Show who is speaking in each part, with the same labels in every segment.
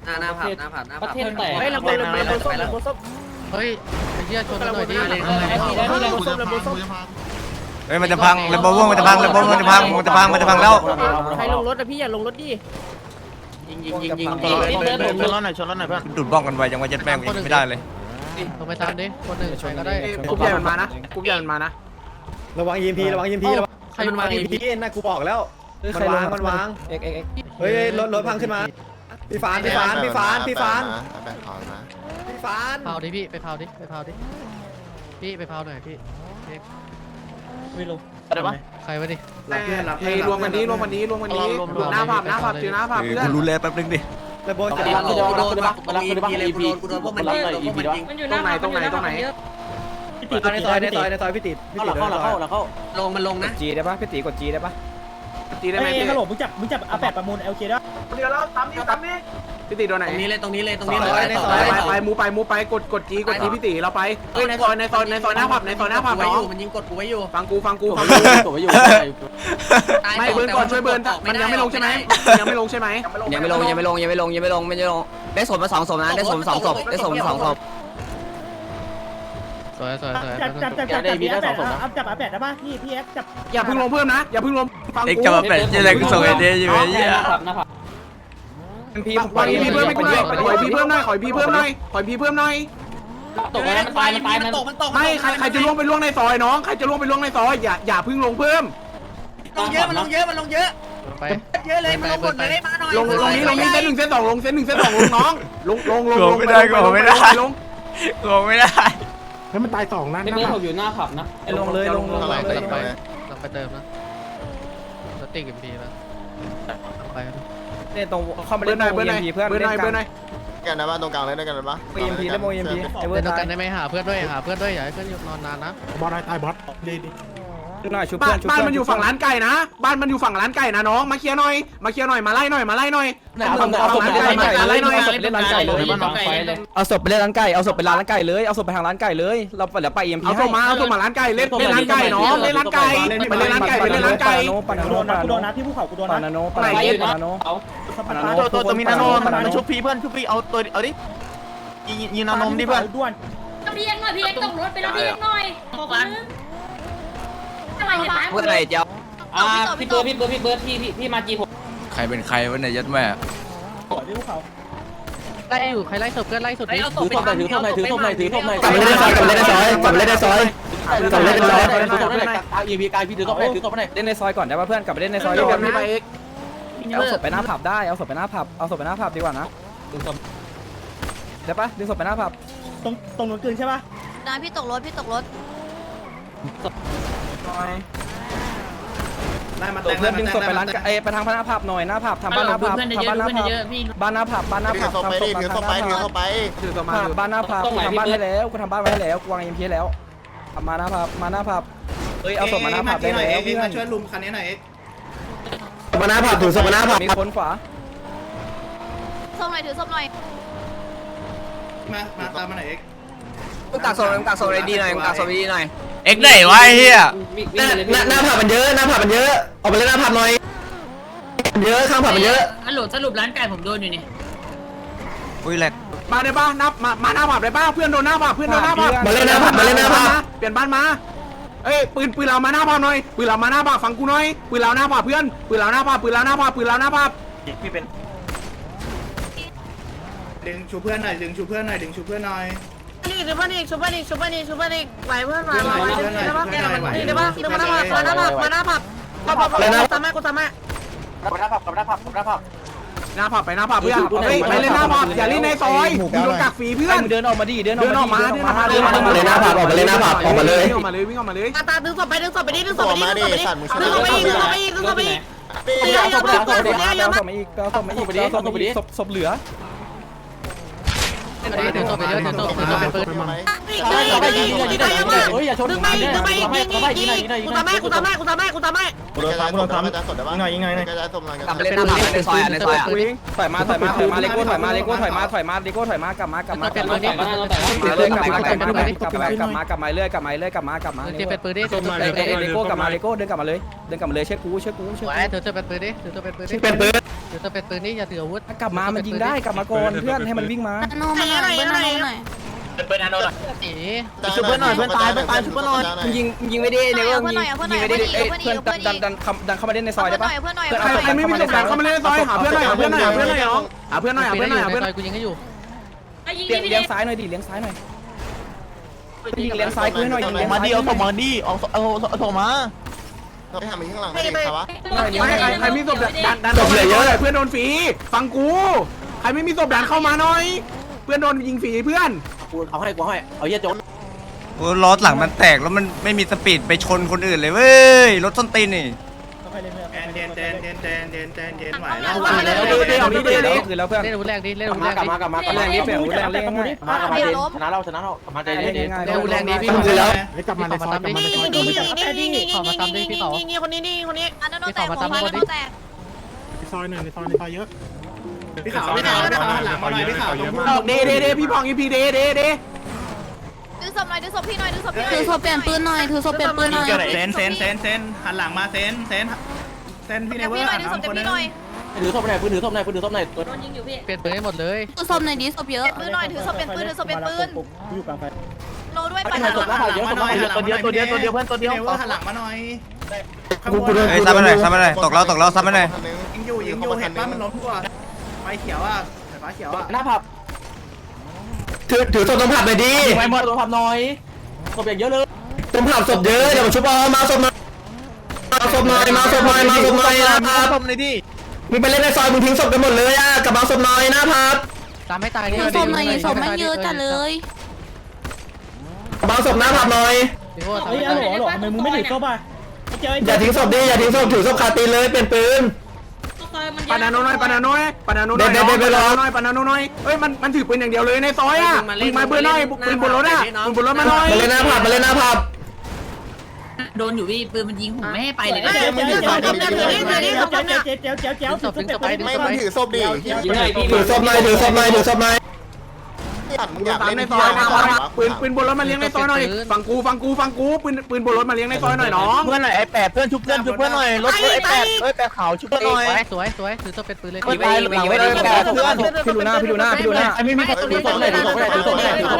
Speaker 1: หน้าผับ
Speaker 2: ประเทศแตก
Speaker 1: เฮ้ยลำโพงไปแล้ว
Speaker 3: เฮ้ยไอ้เหี้ยชนหน่อยดิ
Speaker 4: เฮ้ยมันจะพังระเบิดวงมันจะพังระเบิดมันจะพังแล้ว
Speaker 1: ใครลงรถอะพี่อย่าลงรถดิยิง
Speaker 2: ชนรถหน่อยเพื่อน
Speaker 4: ดูดบ้องกันไวจังว่าเจ็ดแม่งไม่ได้เลย
Speaker 3: ลงไปตามดิคนหนึ่งใครก็ได้
Speaker 1: กรุ๊ปใหญ่มันมานะกรุ๊ปใหญ่มันมานะ
Speaker 5: ระวัง EMP ระวัง EMP ระวัง
Speaker 3: ใครมันมา
Speaker 5: EMP นะกูบอกแล้วมันวางเอ็กเฮ้ยรถพังขึ้นมาพี่ฟาน
Speaker 3: เผาดิพี่ไปเผาดิพี่ไปเผาหน่อยพี่ไม่ลง
Speaker 2: อะไรวะ
Speaker 3: ใครวะดิ
Speaker 1: รวมกันนี้หน้าผับเจอหน้าผับเพื่อน
Speaker 4: กูรู้เลยแป๊บนึงดิ
Speaker 5: ระเบิด
Speaker 1: โดนพวกมันยิงตรงไหน
Speaker 5: พี่ติดในซอยพี่ติด
Speaker 1: ลงมันลงนะ
Speaker 5: จีได้ปะพี่ติดกดจีได้ปะ
Speaker 1: ตีได้ไหม
Speaker 6: ฮัลโหลมึงจับอาแปดประมูล LK ได้
Speaker 1: เดี๋ยวเราตามนี้พี่ตีโดนไหนตรงนี้เลยไปมูไปกดจีพี่ตีเราไปเฮ้ยในซอยหน้าผับน้องมันยิงกดกูไว้อยู่ฟังกูไม่เบิร์นก่อนช่วยเบิร์นมันยังไม่ลงใช่ไหมยังไม่ลงได้ศพมา2 ศพนะได้ศพ2 ศพ
Speaker 3: สวย
Speaker 6: จับอาแปดได้ป่ะพี่เอฟจับ
Speaker 1: อย่าพึ่งลงเพิ่มนะอย่าพึ่งลงฟัง
Speaker 4: เอ็ก
Speaker 1: กู
Speaker 4: จะมาเป็ดยังไงกูส่งไอเดียอยู่ไอ้เหี้ย
Speaker 5: พี่
Speaker 1: ขอพีเพิ่มให้กูหน่อยขอพีเพิ่มหน่อย
Speaker 2: ตกแล้วมันตายมัน
Speaker 1: ไม่ใครจะล่วงไปล่วงในซอยน้องใครจะล่วงไปล่วงในซอยอย่าพึ่งลงเพิ่ม
Speaker 3: ไปเยอะเลยมันลงหมดเลยมาหน่อย
Speaker 1: ลงนี้เส้น 1 เส้น 2ลงน้องลง
Speaker 4: ไม่ได้
Speaker 2: ให้มันตาย2นั่นนะอยู่หน้าผับนะ
Speaker 5: ลงเลย
Speaker 3: ไปเติมนะสติ๊กMPนะไป
Speaker 5: เนี่ยตรงเข้ามาเล่น EMP เพื่อน
Speaker 1: เบอร์หน่อย
Speaker 7: กันนะบ้านตรงกลางเลยด้วยกันนะบ้า
Speaker 5: EMP เล่นโม EMP ไอ้เวอ
Speaker 3: เล่
Speaker 5: ร์
Speaker 3: น
Speaker 5: ตาย
Speaker 3: กันได้ไหมหาเพื่อนด้วยอย่าให้เพื่อนนอนนานนะ
Speaker 2: บอลตายบอสดี
Speaker 5: ชุบหน่อยชุบ
Speaker 1: บ้า
Speaker 5: เพื่อน
Speaker 1: นมันอยู่ฝั่งร้านไก่นะบ้านมันอยู่ฝั่งร้านไก่นะน้องมาเคลียร์หน่อยมาไล่หน่อยฝั่งร้านไก่มาไล่หน่อย
Speaker 5: เล่นร้านไก่เลยเอาศพไปเล่นร้านไก่เอาศพไปร้านไก่เลยเอาศพไปทางร้านไก่เลยเราเดี๋ยวไป EMP
Speaker 1: เอาส่งมาร้านไก่เล่นร้านไก่น้องเล่นร้านไก่ไปเล่นร้านไก่
Speaker 5: ปานาโน
Speaker 6: กูโดนนะพี่ภูเขากูโดน
Speaker 5: ปา
Speaker 6: นะ
Speaker 5: นาโน
Speaker 2: ตัวมีนาโนมันชุบพีเพื่อนชุบพีเอาตัวเอาดิยิงนานมดิเพื่อน
Speaker 6: ด้วน
Speaker 8: พี่เอ็กหน่อยพี่เอ็กตกรถไปแล้วพี่เอ็กหน่อยขอกันอะไรเนี่ย
Speaker 1: พูดอะไรเจ้า
Speaker 2: พี่เบิร์ดพี่มาจีผม
Speaker 4: ใครเป็นใครวะเนี่ยยัดแม่
Speaker 6: พี่ภูเขา
Speaker 3: ไล่อยู่ใครไล่ศพเพื่อนไล่ศพดิ
Speaker 2: ถือศพหน่อย
Speaker 5: กลับมาเล่นในซอย
Speaker 2: EMPกายพี่ถือศพหน่อย
Speaker 5: เล่นในซอยก่อนได้ป่ะเพื่อนกลับไปเล่นในซอยดีกว่าเอาศพไปหน้าผับได้เอาศพไปหน้าผับดีกว่านะได้ป่ะดึงศพไปหน้าผับ
Speaker 6: ตรงนู้นกลืนใช่ป่ะ
Speaker 8: นะพี่ตกรถ
Speaker 5: เพื่อนดึงศพไปร้านไปทางหน้าผับหน่อยหน้าผับทำบ้านหน้าผับทำบ้านหน้าผับบ้านหน้าผับบ้านหน้าผับ
Speaker 7: เข้าไปดิถือเข้าไป
Speaker 5: บ้านหน้าผับกูทำบ้านให้แล้วกูทำบ้านไว้ให้แล้วกูวาง EMP แล้วมาหน้าผับเฮ้ยเอาศพมาหน้าผับได้แล้วเพื่อน
Speaker 7: ช่วยลุมคันนี้หน่อย
Speaker 5: มาหน้าผับถือศพมาหน้าผับมีคนขวา
Speaker 8: ส้มหน่อยถือส้มหน่อย
Speaker 7: มาตามมาหน่อยเอ็ก
Speaker 1: กักโซนดีหน่อย
Speaker 4: เอ็กไหนวะไอ้เหี้ย
Speaker 5: หน้าผับมันเยอะออกไปเล่นหน้าผับหน่อยเยอะข้างผับมันเยอะ
Speaker 8: ฮัลโหลสรุปร้านไก่ผมโดนอยู่นี่
Speaker 4: อุ้ยแหลก
Speaker 1: มาได้ป่ะนับมาหน้าผับได้ป่ะเพื่อนโดนหน้าผับเปลี่ยนบ้านมาเอ้ยปืนเรามาหน้าผับหน่อยปืนเรามาหน้าผับฟังกูหน่อยปืนเราหน้าผับเพื่อนปืนเราหน้าผับ
Speaker 7: พี่เป็นดึงชูเพื่อนหน่อย
Speaker 8: นี่เดี๋ยวนี่ชุบนี่ไหวเพื่อนมานี่เดี๋ยวมาหน้าผับตามแม่
Speaker 1: หน้าผับไปหน้าผับเพื่อนไปเล่นหน้าผับอย่าเล่นในซอยโดนกักฟรีเพื่อน
Speaker 5: เดินออกมาดิเดินออกมา
Speaker 1: วิ่งออกมาเลย
Speaker 8: ตาดึงศพไปดึงศพไปอีก
Speaker 5: เอาศพมาอีกศพเหลือ
Speaker 3: เดี๋ยวตัวไปเยอะเดี๋ยวตัวเป็นปืน
Speaker 5: เฮ้ยอย่าชน
Speaker 8: ดึงไปยิงกูทำแม่กูทำแม่กูทำแม่กูทำแม่
Speaker 2: กูโดนทำยิงหน่อยยิงหน่อยกระจายสมหน่อย
Speaker 3: กลับไปเล่นหน้าผับในซอยในซอย
Speaker 5: ถอยมาเลโก้ถอยมาเลโก้ถอยมากลับมากลับมาเรื่อยกลับมาเรื่อย
Speaker 3: เป็นปืนดิ
Speaker 5: เลโก้กลับมาเลโก้เดินกลับมาเลยเช็คกู
Speaker 3: เดี๋ยวจะเป็นปืนดิเดี๋ยวจะเป็นปืนดิ
Speaker 1: เป็นปืน
Speaker 3: เดี๋ยวจะเป็นปืนดิอย่าถืออาวุธ
Speaker 5: กลับมามันยิงได้กลับมาก่อนเพื่อนให้มันวิ่งมา
Speaker 8: โน่มาหน่อยหน่อยหน่อย
Speaker 3: หนี
Speaker 2: ชุบเพื่อนหน่อยเพื่อนตายชุบเพื่อนหน่อย
Speaker 5: ยิงไม่ได้เนี่ยยิงไม่ได้เพื่อนดันเข้ามาเล่นในซอยได้ปะ
Speaker 8: เพื่อนหน่อย
Speaker 1: ใครไม่มีประสบการณ์เข้ามาเล่นในซอยหาเพื่อนหน่อยน้องหาเพื่อนหน่อย
Speaker 3: ซอยกูยิงให้อยู่
Speaker 5: เลี้ยงซ้ายหน่อยดิเลี้ยงซ้ายหน่อยยิงเลี้ยงซ้ายกูให้หน่อยยิง
Speaker 2: มาดิเอาส่งมาดิเอาส่งมา
Speaker 7: ไปหามันข้างหลังไม่ได้ครับวะ
Speaker 1: ใครมีศพดันศพเหลือเยอะเพื่อนโดนฟรีฟังกูใครไม่มีศพดันเข้ามาหน่อย เพื่อนโดนยิงฟรีเพื่อน
Speaker 5: เอาให้เอาเยี่ยจน
Speaker 4: โอ้ล้อหลังมันแตกแล้วมันไม่มีสปีดไปชนคนอื่นเลยเว้ยรถส้นตีนนี่
Speaker 7: แอนเดนไหวแล้ว
Speaker 5: คือแล้วเพื่อน
Speaker 3: เล่นอาวุธแรกดิเล่นอาวุธแรกดิ
Speaker 5: กลับมาแรงนี้เปลี่ยนแรงเล่นง่ายชนะเรากลับมาใจเล่นง่าย
Speaker 3: เล่นอาวุธแรกดิพี่
Speaker 1: คือแล้ว
Speaker 3: กลับมาในซอยกลับมาในซอย
Speaker 8: นี่คนนี้อันนั้นโดนแตกหัวฟ้าแล้วแตก
Speaker 7: พี่ขาวไม่ได้หลังมาหน่อยพี่ขาว
Speaker 1: เดพี่พองอีพีเด
Speaker 8: ถือศพหน่อยถือศพพี่หน่อยถือศพพี่ถือศพเปลี่ยนปืนหน่อยถือศพเปลี่ยนปืนหน่อย
Speaker 7: เซนหันหลังมาเซนพี่เนเวอ
Speaker 8: พี่
Speaker 7: ร์
Speaker 8: หน่อยถือศพเปลี่ยนพี่หน่อย
Speaker 5: ถือศพไหนปืนถือศพไหน
Speaker 8: โดนยิงอยู่พี่
Speaker 3: เปลี่ยนปืนให้หมดเลย
Speaker 8: ถือศพหน่อยดิศพเยอะปืนหน่อยถือศพเปลี่ยนปืนถือศพเปลี่ยนปืนโลด้วยปัญหา
Speaker 2: ตัวเดียวเพื่อนตัวเดียว
Speaker 7: เนเวอร์หันหลังมาหน่อย
Speaker 4: เฮ้ยซ้ำไปหน่อยตกแล้วซ้ำไปหน่อย
Speaker 7: ยิงอยู่เห็นป่ะมันล้มทั่วไฟเขียวอ่ะไฟเขียวอ่ะ
Speaker 5: หน้าผับ
Speaker 1: ถือศพตรงผับไปดี
Speaker 5: ไปหมดตัวผับหน่อยศพอย่างเยอะเลย
Speaker 1: ตรงผับศพเยอะเดี๋ยวชุบมาศพหน่อยนะครับ
Speaker 2: ศพเลยดิ
Speaker 1: มึงไปเล่นในซอยมึงทิ้งศพกันหมดเลยอ่ะกลับมาศพหน่อยนะพับ
Speaker 3: ตามให้ตายดิ
Speaker 8: ถือศพหน่อยศพไม่เยอะจัดเลย
Speaker 1: กลับมาศพหน้าผับหน่อย
Speaker 3: พี่โอ้
Speaker 6: เฮ้ยฮัลโหลทำไมมึงไม่ถือศพอ่ะ
Speaker 1: อย่าทิ้งศพดิอย่าทิ้งศพถือศพคาตีเลยเปลี่ยนปืนปานาโนน้อยปานาโนน้อยเฮ้ยมันถือปืนอย่างเดียวเลยในซอยอ่ะยิงมาปืนน้อยปืนบนรถอ่ะปืนบนรถมาหน่อยมาเล่นหน้าผับ
Speaker 8: โดนอยู่พี่ปืนมันยิงผมไม่ให้ไปเลย
Speaker 6: เจ๊ถือศพดิ
Speaker 1: ถือศพหน่อย
Speaker 7: มึงอยาก
Speaker 1: ตาม
Speaker 7: เล่น
Speaker 1: ใน
Speaker 7: ใน
Speaker 1: ซ
Speaker 7: ซ
Speaker 1: อ
Speaker 7: อย ย
Speaker 1: ปืนบนรถมาเลี้ยงในซอยหน่อยฟังกูปืนบนรถมาเลี้ยงในซอยหน่อยน้อง
Speaker 2: เพื่อนหน่อยไอ้แปดเพื่อนชุบเพื่อนหน่อยรถไอ้แปดแปดขาวชุบเพื่อนหน่อย
Speaker 3: สวยถือตัวเป็นปืนเลย
Speaker 5: พี่ดูหน้าไม่มีถือศพไหนถือศพไหนเจน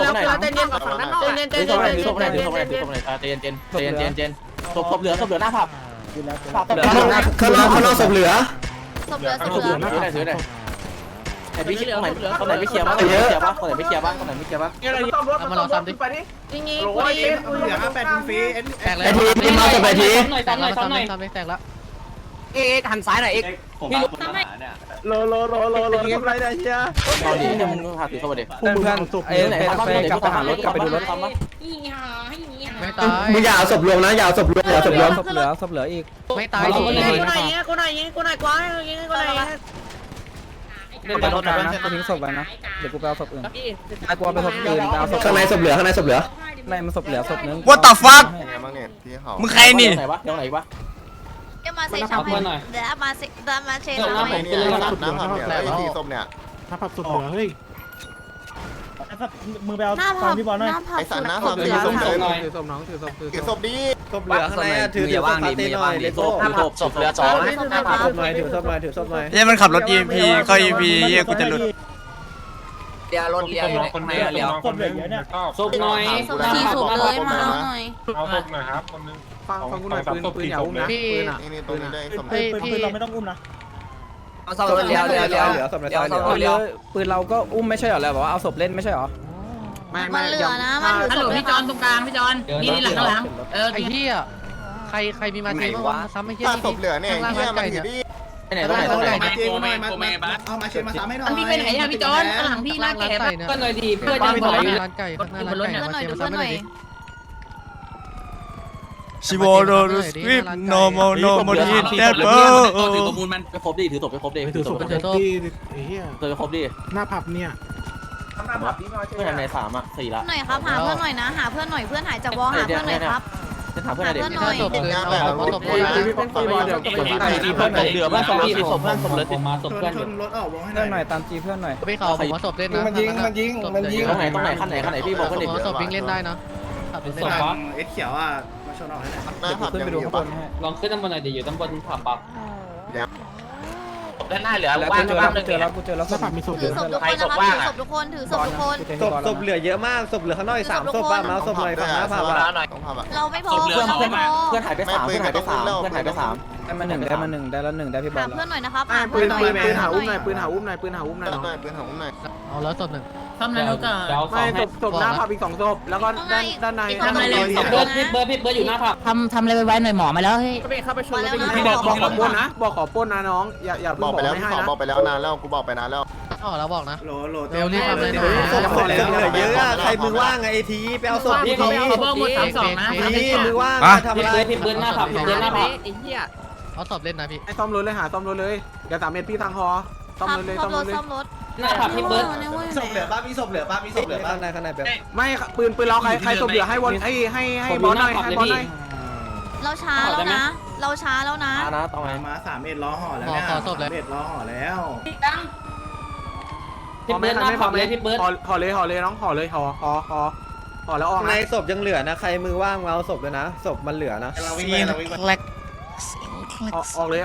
Speaker 5: ศพเหลือหน้าผับ
Speaker 1: ข้างนอกศพเหลือ
Speaker 8: ศพเหลือ
Speaker 5: ถือไหนไอ้พี่คนไหนไม่เคลียร์บ้างคนไหนไม่เคลียร์บ้าง
Speaker 3: เอามาลองซ้ำดิ
Speaker 8: ยิง
Speaker 7: โอ้ยเหลือ8ฟรี
Speaker 3: แตกแล้ว
Speaker 1: ไอทีมาศพไอที
Speaker 3: แตกแล้วซ้ำดิแตกแล้ว
Speaker 5: หันซ้ายหน่อยพี่โลอะไรได้เชียตอนนี้เนี่ยมึงหาถือศพเด็กเพื่อนไอ้ไหนไปกลับไปหารถกลับไปดูรถ
Speaker 3: ไม่ตาย
Speaker 1: มึงอย่าเอาศพรวมนะอย่าเอาศพรวมศพเหลืออีก
Speaker 3: ไม่ตายดิ
Speaker 8: กูหน่อยกว้างยิงกูหน่อย
Speaker 5: เล่นไปรถนะกูทิ้งศพไว้นะเดี๋ยวกูไปเอาศพอื่นไอ้กูไปศพอื่นไปเอาศพ
Speaker 1: ข้างในศพเหลือ
Speaker 5: ในมันศพเหลือศพนึง
Speaker 4: What the fuck
Speaker 7: บ้างเนี่ยพี่เขา
Speaker 4: มึงใครนี่
Speaker 5: ไหนวะเดี๋ยวไหนวะ
Speaker 8: เดี๋ยวมาเซชัมเดี๋ยวมาเซเชน
Speaker 7: น้ำผมเนี่ยน้ำผมเนี่ยไอ้สีส้มเนี่ย
Speaker 6: มือไปเอาฟังพี่บอลหน่อย
Speaker 7: ไอ้สันน้ำผมถือส้มถือส้มดี
Speaker 5: ศพเหลือข้างในถือว่างดีมีว่างดีศพเหลือ2ถือศพหน่อย
Speaker 4: เฮ้ยมันขับรถ EMP เข้า EMP เหี้ยกูจะหลุด
Speaker 5: เดี๋ยวรถเลี้ยวคนในเลี้ยว
Speaker 6: ศพเหลือเยอะเนี่ย
Speaker 5: ศพหน่อย
Speaker 8: สี่ศพเลยมาเอาหน่อย
Speaker 1: ฟังกูหน่อยปืนอย่าอุ้มนะ
Speaker 3: พี่
Speaker 7: นี่ตัวนี้ได้ส้ม
Speaker 6: ปืนเราไม่ต้องอุ้มนะ
Speaker 5: เอาศพเลี้ยวปืนเราก็อุ้มไม่ใช่หรอแล้วบอกว่าเอาศพเล่นไม่ใช่หรอ
Speaker 8: มันเหลือนะมันเหลือพี่จอนตรงกลางพี่จอนนี่หลัง
Speaker 3: ไอ้เหี้ยใครมีมาทีว่าซ้ำไอ้เหี้ย
Speaker 7: ถ้าศพเหลือเนี่ยเนี่ยมันอยู่ดี
Speaker 5: ไหนตรงไหน
Speaker 7: มาเจงหน่อยมาเอามาเชนมาซ้ำให้หน่อย
Speaker 8: พี่ไปไหนอะพี่จอนหลังพี่หน้าแก่
Speaker 3: ก็เลยดีเพื่อนจะบอกร้านไก่ข้างหน้าร้านไก่มาเชียร์มาซ้ำหน่อยดิ
Speaker 4: ชิโวโรสคริปโนโมโนโมดิเดปเปอร์
Speaker 5: ถือประมูลมันไปครบดิถือศพไปครบดิถือศพไปครบดิ
Speaker 9: หน้าผับเนี่ย
Speaker 5: เพื่อนไหนสามอ่ะ4ละ
Speaker 8: หน่อยครับหาเพื่อนหน่อยนะหาเพื่อนหน่อยเพื่อนหายจากวอหาเพื่อนหน่อยครับ
Speaker 5: จะถามเพื่อนไหนเด็ก
Speaker 3: พี่ถ้าศพคืนเอาศพคืนนะ
Speaker 1: พี่เป็นฟรีบอลเดี๋ยว
Speaker 5: เพื่อนเหลือบ้านศพพี่ศพเพื่อนศพเลย
Speaker 7: ชนรถออกวงให้หน่อย
Speaker 3: พี่เขาผมว่าศพเล่นนะ
Speaker 5: ตรงไหนขั้นไหนพี่บอกเพื่อนเด็ก
Speaker 3: ผมว่าศพวิ่งเล่นได้นะขับเล่น
Speaker 7: ต
Speaker 3: ได้
Speaker 7: รงเอสเขียวอ่ะมาชนออกให้หน่อย
Speaker 5: ขึ้นไปดูข้างบน
Speaker 9: ลองขึ้นด้านบนหน่อยดิอยู่ด้านบนผับปับ
Speaker 5: ด้านหน้าเหลือว่างบ้างนึงเนี่ย
Speaker 8: ถือศพทุกคนนะครับถือศพทุกคนถือศพทุกคน
Speaker 1: ศพเหลือเยอะมากศพเหลือข้างนอกอีก3ศพป่ะมาศพหน่อยฝั่งหน้าผ่า
Speaker 8: เราไม่พอ
Speaker 5: เพื่อน
Speaker 8: เราไม่พอ
Speaker 5: เพื่อนหายไป3เพื่อนหายไป3เพื่อนหายไป3
Speaker 1: ได้มา1ได้ละ1ได้พี่บอ
Speaker 8: หา
Speaker 1: ล
Speaker 8: เพื่อนหน่อยนะครับหา
Speaker 1: ปื
Speaker 8: เพื่อน นหน่อย
Speaker 1: ปืนหาอุ้มหน่อยปืนหาอุ้มหน่อยปืนหาอุ้มหน่อยน้อง
Speaker 3: เอาแล้วศพหนึ่ง
Speaker 9: ทำนายนุกะเดี๋ยว
Speaker 1: ไม่ศพหน้าผับอีก2ศพแล้วก็ด้านใน
Speaker 9: พี่เบิร์ดอยู่หน้าผับ
Speaker 6: ทำอะไรไว้หน่อยหมอมาแล้วเฮ้ย
Speaker 8: เข้าไปชนแล้ว
Speaker 1: พี่บอกขอปล้นนะบอกขอปล้นนะน้องอย่าเพิ่งบอกไม่ให้นะ
Speaker 2: บอกไปแล้วนานแล้วกูบอกไปนานแล้ว
Speaker 3: อ๋อแล้วบอกนะ
Speaker 7: โหล
Speaker 3: เร็วรีบทำเลยนะ
Speaker 1: ศพเหลือเยอะอะใครมือว่างไอทีไปเอาศพที
Speaker 3: พี่
Speaker 1: มือว่าง
Speaker 9: พี่เบิร์ดหน้าผับพี่เบิร์ดหน้าผับ
Speaker 3: เอาศพเล่นนะพี่
Speaker 1: ไอ้ซ่อมรถเลยหาซ่อมรถเลยอย่า3เมตรพี่ทางคอซ่อมรถเลย
Speaker 8: ซ่
Speaker 1: ซ่
Speaker 8: อ
Speaker 1: อ
Speaker 8: ม
Speaker 1: ม
Speaker 8: ร
Speaker 1: ร
Speaker 8: ถ
Speaker 1: ถเลย
Speaker 8: ซ่อมรถ
Speaker 9: หน้าผับพี่เบิร์ด
Speaker 7: ศพเหลือป่ะมีศพเหลือป่ะมีศพเหลือป่ะ
Speaker 1: ข้างในแบบไม่ปืนเราใครศพเหลือให้วนให้บอลหน่อยให้บอลหน่อย
Speaker 8: เราช้าแล้วนะ เราช้าแล้วนะ
Speaker 5: นะตรงไหน
Speaker 7: มา3เอ็ดล้อห่อแล้วเนี่ย3เอ็ดล้อห่อแล้ว
Speaker 9: พี่เบิร์ดหน้าผับเลยพี่เบิร์ด
Speaker 1: ห่อเลยน้องห่อเลยห่อแล้วออก
Speaker 10: ในศพยังเหลือนะใครมือว่างมาเอาศพเลยนะศพมันเหลือนะ
Speaker 7: เราวิ่งไปเราวิ่งไป
Speaker 1: ออกเลย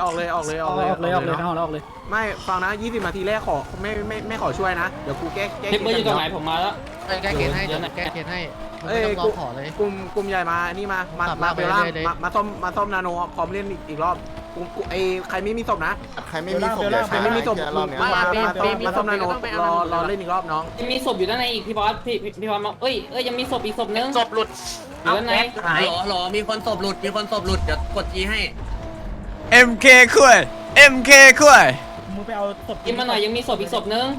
Speaker 1: ไม่ฟังนะ20นาทีแรกขอไม่ขอช่วยนะเดี๋ยวกูแก้
Speaker 9: พี่เบิร์ดอยู่ตรงไหนผมมาแล้ว
Speaker 3: แก้เกณฑ์ให้แก้เกณฑ์ให้ไม่ต้องรอขอเลย
Speaker 1: กลุ่มใหญ่มานี่มาเบลล่ามาซ่อมนาโนพร้อมเล่นอีกรอบไอใครไม่มีศพนะ
Speaker 2: ใครไม่มีศพเดี๋ยว
Speaker 1: ใครไม่มีศพ
Speaker 2: รอบเนี้ย
Speaker 1: มาซ่อมนาโนรอเล่นอีกรอบน้อง
Speaker 9: ยังมีศพอยู่ด้านในอีกพี่บอสพี่บอสมาเอ้ยยังมีศพอีกศพนึง
Speaker 5: ศพหลุด
Speaker 9: อยู่ด้านใน
Speaker 5: หรอมีคนศพหลุดเดี๋ยวกดจีให้
Speaker 4: MK คุย MK คุย
Speaker 6: มึงไปเอาศพ
Speaker 9: กินมาหน่อยยังมีศพอีกศพนึง